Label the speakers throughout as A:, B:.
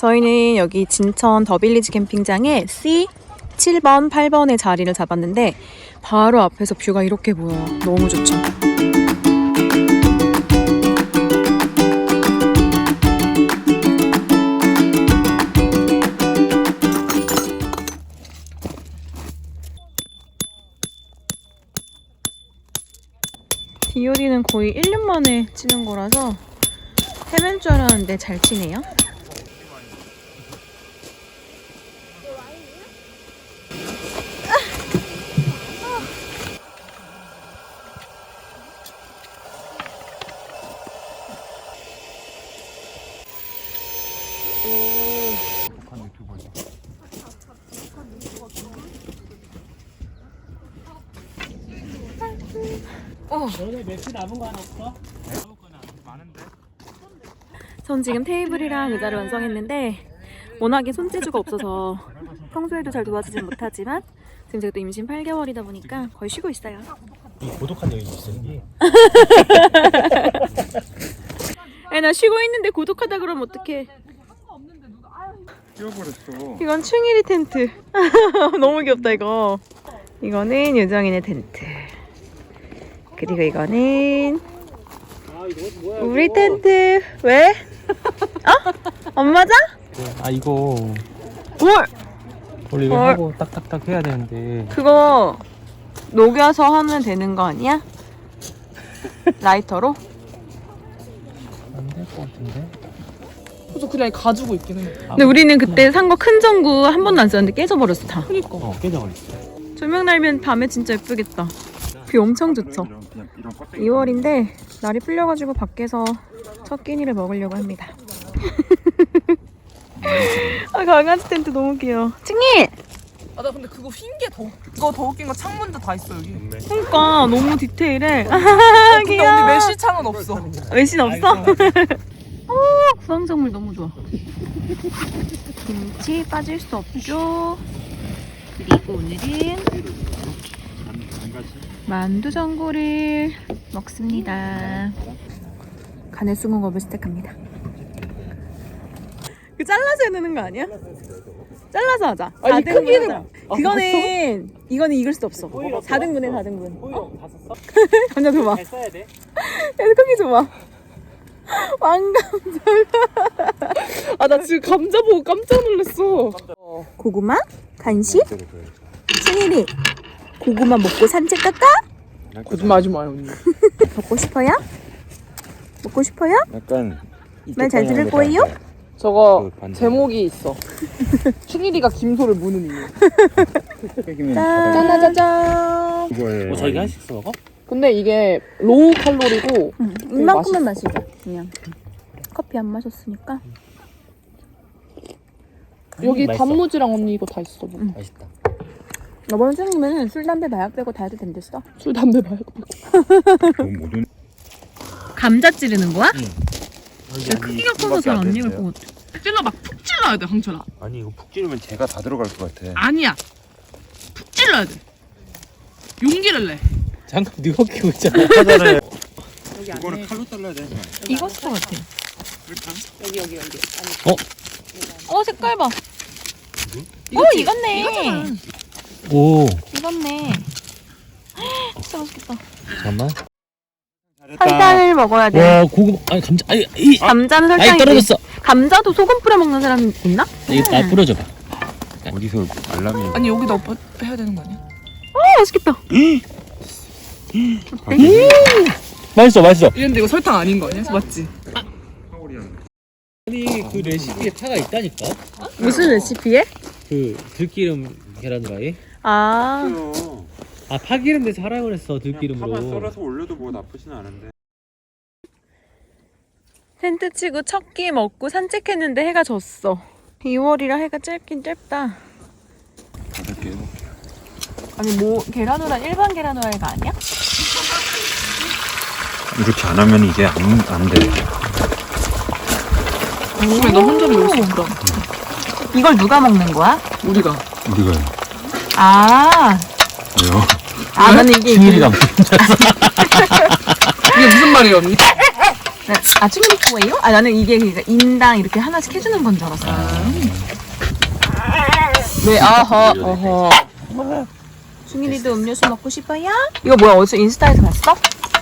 A: 저희는 여기 진천 더빌리지 캠핑장에 C 7번, 8번에 자리를 잡았는데 바로 앞에서 뷰가 이렇게 보여요. 너무 좋죠. 비오리는 거의 1년 만에 치는 거라서 헤맨 줄 알았는데 잘 치네요.
B: 너네 매트 남은 거 하나 없어? 남은 거는 많은데.
A: 전 지금 테이블이랑 의자를 완성했는데 워낙에 손재주가 없어서 평소에도 잘 도와주진 못하지만 지금 제가 또 임신 8개월이다 보니까 거의 쉬고 있어요.
B: 이 고독한 여인이 있어 이게.
A: 나 쉬고 있는데 고독하다 그러면 어떡해.
C: 끼워버렸어.
A: 이건 충일이 텐트. 너무 귀엽다 이거. 이거는 유정이네 텐트. 그리고 이거는
B: 아 이거 뭐야?
A: 우리 텐트. 왜? 어? 안 맞아?
B: 아 이거
A: 뭘?
B: 원래 이거
A: 헐.
B: 하고 딱딱딱 해야 되는데.
A: 그거 녹여서 하면 되는 거 아니야? 라이터로?
B: 안 될 것 같은데.
D: 그래서 그냥 가지고 있긴 해.
A: 근데 우리는 그때 산 거 큰 전구 한 번도 안 썼는데 깨져버렸어 다.
D: 그니까.
B: 깨져버렸어.
A: 조명 날면 밤에 진짜 예쁘겠다. 뷰 엄청 좋죠. 2월인데 날이 풀려가지고 밖에서 첫 끼니를 먹으려고 합니다. 아, 강아지 텐트 너무 귀여워. 칭이!
D: 아, 나 근데 그거 흰 게 그거 더 웃긴 거 창문도 다 있어 여기.
A: 그러니까 너무 디테일해.
D: 근데 언니 메쉬 창은 없어.
A: 외신 없어? 구황작물 너무 좋아. 김치 빠질 수 없죠. 그리고 오늘은 만두 전골을 먹습니다. 간의 숭어업을 시작합니다. 그 잘라서 해야 되는 거 아니야? 잘라서 하자.
D: 아니,
A: 4등분
D: 크기는-
A: 하자. 이거는 익을 수 없어. 4등분해 4등분.
B: 오히려 다 썼어?
A: 감자 줘봐.
B: 잘 써야 돼.
A: 야, 크기 줘봐. 왕감자.
D: 아, 나 지금 감자 보고 깜짝 놀랐어.
A: 고구마? 간식? 승일이 고구마 먹고 산책 갈까?
D: 거짓말하지 마요 언니.
A: 먹고 싶어요? 먹고 싶어요?
C: 약간
A: 말 잘 들을 거예요?
D: 저거
C: 그 반대.
D: 제목이 있어. 충일이가 김소를 무는 이유.
A: 짜자자잔.
C: 이거예요.
B: 뭐 저희가 한식 먹어?
D: 근데 이게 로우 칼로리고
A: 이만큼만 마시자. 그냥 커피 안 마셨으니까.
D: 여기
B: 맛있어.
D: 단무지랑 언니 이거 다 있어. 뭐.
B: 맛있다.
A: 이번 생이면 술, 담배, 마약 빼고 다 해도 된댔어.
D: 술 담배 말고.
C: 모든
A: 감자 찌르는 거야?
C: 야,
A: 크기가 커서 잘 안 익을 것 같아.
D: 찔러 막 푹 찔러야 돼 황철아.
C: 아니 이거 푹 찌르면 제가 다 들어갈 것 같아.
D: 아니야. 푹 찔러야 돼. 용기를 내.
B: 잠깐 누가 키고 있잖아.
C: 하잖아요.
D: 여기 안에.
C: 이거는 칼로 잘라야 돼.
A: 익었을 것 같아.
D: 여기.
A: 색깔 봐. 익었네.
B: 오.
A: 익었네. 진짜 맛있겠다.
B: 잠깐만.
A: 설탕을 먹어야 돼.
B: 와 고구마. 아니 감자. 아니 이.
A: 감자는
B: 아니
A: 설탕이지.
B: 떨어졌어.
A: 감자도 소금 뿌려 먹는 사람 있나?
B: 이거 다 뿌려줘봐.
C: 어디서 알람이?
D: 아니 여기다 해야 되는 거 아니야?
A: 맛있겠다.
B: 맛있어.
D: 이런데 이거 설탕 아닌 거 아니야? 맞지?
B: 아니 그 레시피에 파가 있다니까.
A: 무슨 레시피에?
B: 그 들기름 계란 후라이.
A: 아,
B: 아 파기름 내서 하라고 그랬어 들기름으로.
C: 파만 썰어서 올려도 뭐 나쁘진 않은데.
A: 텐트 치고 첫 끼 먹고 산책했는데 해가 졌어. 2월이라 해가 짧긴 짧다.
C: 다섯 개 해볼게요.
A: 아니 뭐 계란 후라이 일반 계란 후라이가 아니야?
C: 이렇게 안 하면 이게 안 돼.
D: 왜 너 혼자로 여기서 그럼?
A: 이걸 누가 먹는 거야?
D: 우리가.
C: 우리가요.
A: 아,
C: 왜요?
A: 나는 이게
B: 승일이가
D: 이게 무슨 말이에요 언니?
A: 아, 충리포예요? 아, 나는 이게 그러니까 인당 이렇게 하나씩 해주는 건 줄 알았어. 네, 어허. 중일이도 음료수 먹고 싶어요? 이거 뭐야? 어디서 인스타에서 봤어?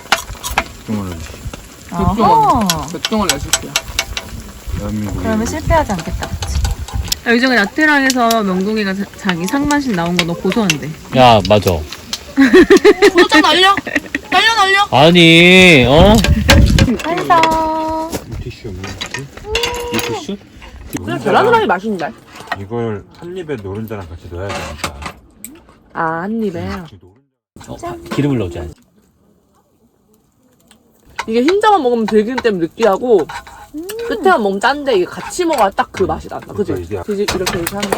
A: 아하.
D: 백종원 레시피야.
C: 대한민국.
A: 그러면 실패하지 않겠다. 요즘에 나트랑에서 명동이가 자기 상만신 나온 거 너 고소한데.
B: 야 맞아.
D: 도장 날려. 날려.
B: 아니
A: 완성.
C: 티슈 없는 거지?
B: 이 티슈?
D: 그냥 계란 후라이 맛있는데?
C: 이걸 한 입에 노른자랑 같이 넣어야 되니까.
D: 아, 한 입에.
B: 기름을 넣어줘야지.
D: 이게 흰자만 먹으면 들기름 때문에 느끼하고 끝에만 먹으면 짠데 이게 같이 먹어야 딱 그 맛이 난다. 그치?
C: 그러니까
D: 이렇게 하는 거?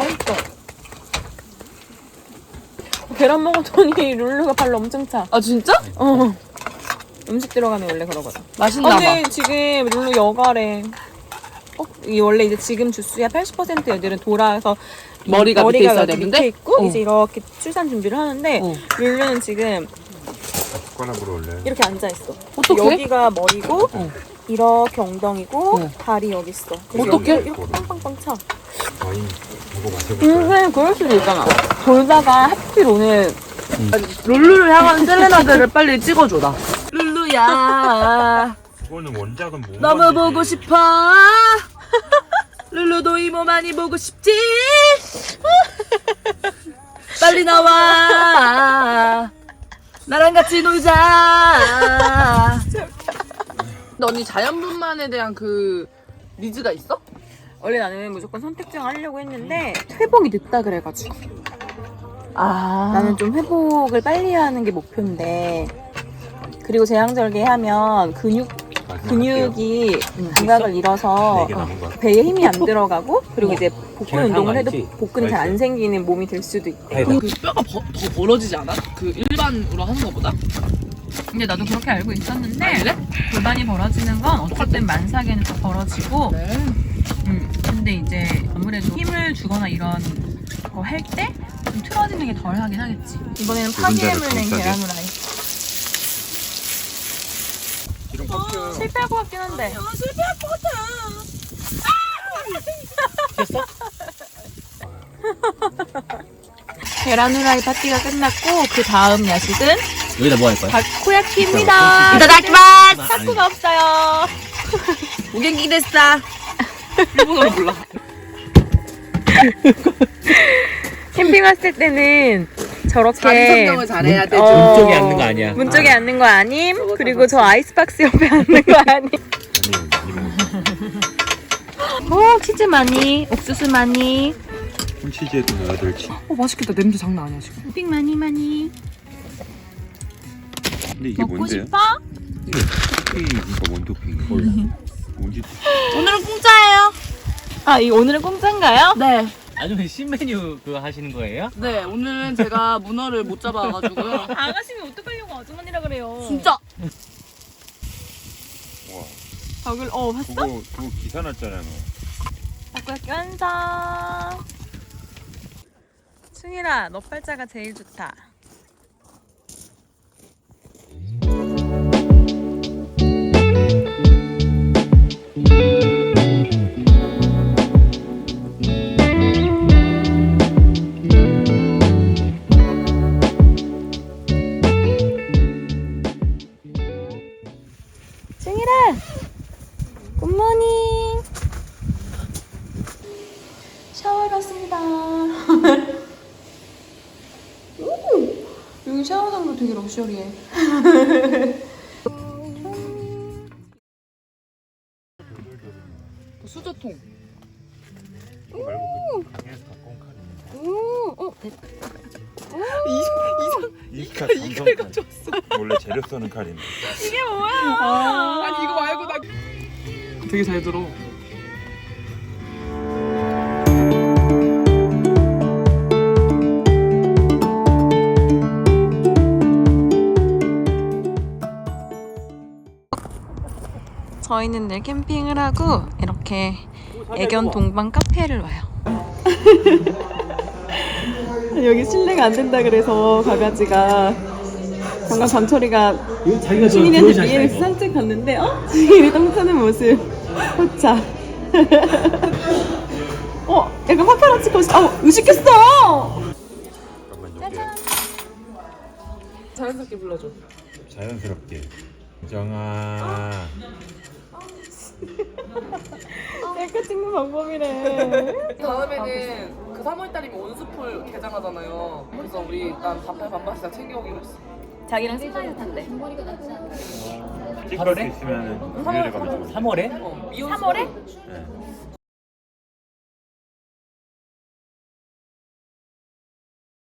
A: 계란 먹었더니 룰루가 발로 엄청 차.
D: 아, 진짜?
A: 음식 들어가면 원래 그러거든.
D: 맛있나 봐.
A: 근데 지금 룰루 여가래. 이 원래 이제 지금 주스야 80% 애들은 돌아서
D: 머리가 밑에 있어야
A: 여기
D: 되는데?
A: 밑에 있고 이제 이렇게 출산 준비를 하는데 룰루는 지금
C: 숟가락으로 원래.
A: 이렇게 앉아 있어.
D: 어떡해?
A: 여기가 머리고 이렇게 엉덩이고 다리 여기 있어. 그래서
D: 어떡해?
A: 여기 이렇게 빵빵빵 차.
C: 와인 이거 마셔볼까요?
A: 근데 그럴 수도 있잖아. 돌다가 하필 오늘
D: 룰루를 향한 셀레나들을 빨리 찍어줘라. 룰루야.
C: 그거는 원작은 뭐?
D: 너무 보고 싶어. 룰루도 이모 많이 보고 싶지. 빨리 나와. 나랑 같이 놀자. 너 언니 자연분만에 대한 그 니즈가 있어?
A: 원래 나는 무조건 선택증 하려고 했는데 회복이 늦다 그래가지고 나는 좀 회복을 빨리 하는 게 목표인데 그리고 제왕절개하면 근육이 감각을 잃어서 배에 힘이 안 들어가고 그리고 이제 복근 운동을 해도 복근이 잘 안 생기는 몸이 될 수도 있대.
D: 그 뼈가 더 벌어지지 않아? 그 일반으로 하는 것보다?
A: 근데 나도 그렇게 알고 있었는데 골반이 벌어지는 건 어쨌든 만삭에는 다 벌어지고 근데 이제 아무래도 힘을 주거나 이런 거 할 때 좀 틀어지는 게 덜 하긴 하겠지. 이번에는 파기름을 낸 계란 후라이. 실패할 것 같긴 한데. 실패할 것 같아. 계란 후라이 파티가 끝났고 그 다음 야식은
B: 여기다 뭐 할 거야?
A: 다코야키입니다.
D: 이따다키마스.
A: 타코가 없어요.
D: 오겐기 데스다. 일본어로 몰라.
A: 캠핑 왔을 때는 저렇게
D: 자리 선정을 잘해야 되죠.
B: 문 쪽에 앉는 거 아니야.
A: 문 쪽에 앉는 거 아님? 그리고 저 아이스박스 옆에 앉는 거 아님? 치즈 많이, 옥수수 많이.
C: 콘치즈에도 넣어야 될지.
D: 맛있겠다. 냄새 장난 아니야 지금.
A: 토핑 많이.
C: 근데 이게
A: 먹고
C: 뭔데요?
A: 싶어?
C: 토핑이니까 원토핑. 몰라. 뭔지.
D: 오늘은 공짜예요.
A: 아, 이 오늘은 공짜인가요?
D: 네.
B: 아주 신메뉴 그거 하시는 거예요?
D: 네, 오늘은 제가 문어를 못 잡아가지고요.
A: 아가씨는 어떡하려고 아주머니라 그래요.
D: 진짜.
C: 와.
A: 덕을, 봤어?
C: 그거 기사 났잖아요.
A: 다코야키 완성. 승일아, 너 팔자가 제일 좋다. 승일아, 굿모닝. 샤워하러 왔습니다. 여기 샤워장도 되게 럭셔리해.
D: 수저통.
C: 이칼 가져왔어. 원래 재료 써는 칼인데.
A: 이게 뭐야?
D: 아니 이거 말고 나. 되게 잘 들어.
A: 저희는 늘 캠핑을 하고 이렇게 애견 동반 카페를 와요. 여기 실내가 안 된다 그래서 강아지가 방금 전철이가
B: 이거 자기가
A: 주민이한테 BMX 산책 갔는데 주민이 똥 싸는 모습 포차. 약간 파파라치 코스. 의식했어.
D: 자연스럽게 불러줘.
C: 자연스럽게. 정아.
A: 셀카 찍는 방법이래.
D: 다음에는 그 3월달이면 온수풀 개장하잖아요. 그래서 우리 난 반팔 반바지 다 챙겨오기로 했어.
A: 자기랑 셀카에서 탄대.
C: 찍을 수 있으면 금요일에 가면 좋을
B: 3월에?
D: 미온
A: 3월에?
C: 네.